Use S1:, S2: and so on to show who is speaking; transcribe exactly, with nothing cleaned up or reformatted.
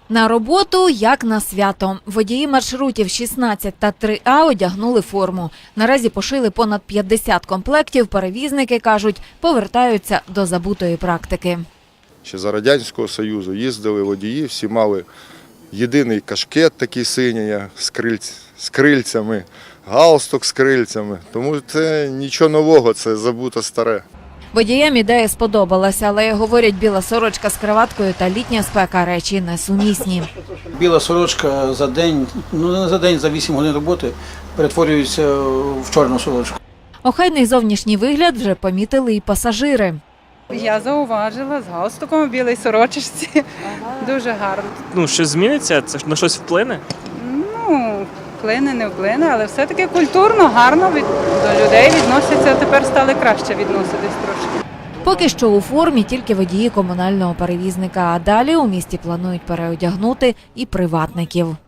S1: На роботу, як на свято. Водії маршрутів шістнадцять та три А одягнули форму. Наразі пошили понад п'ятдесят комплектів. Перевізники, кажуть, повертаються до забутої практики.
S2: Ще за Радянського Союзу їздили водії, всі мали єдиний кашкет такий синій з, крильць, з крильцями, галстук з крильцями. Тому це нічого нового, це забуто старе.
S1: Водіям ідея сподобалася, але, говорять, біла сорочка з краваткою та літня спека – речі несумісні.
S3: Біла сорочка за день, ну не за день, за вісім годин роботи перетворюється в чорну сорочку.
S1: Охайний зовнішній вигляд вже помітили і пасажири.
S4: Я зауважила з галстуком у білій сорочці. Ага. Дуже гарно.
S5: Ну, щось зміниться? Це на щось вплине?
S4: Ну, вплине, не вплине, але все-таки культурно, гарно від, до людей відносяться. Тепер стали краще відноситись трошки.
S1: Поки що у формі тільки водії комунального перевізника, а далі у місті планують переодягнути і приватників.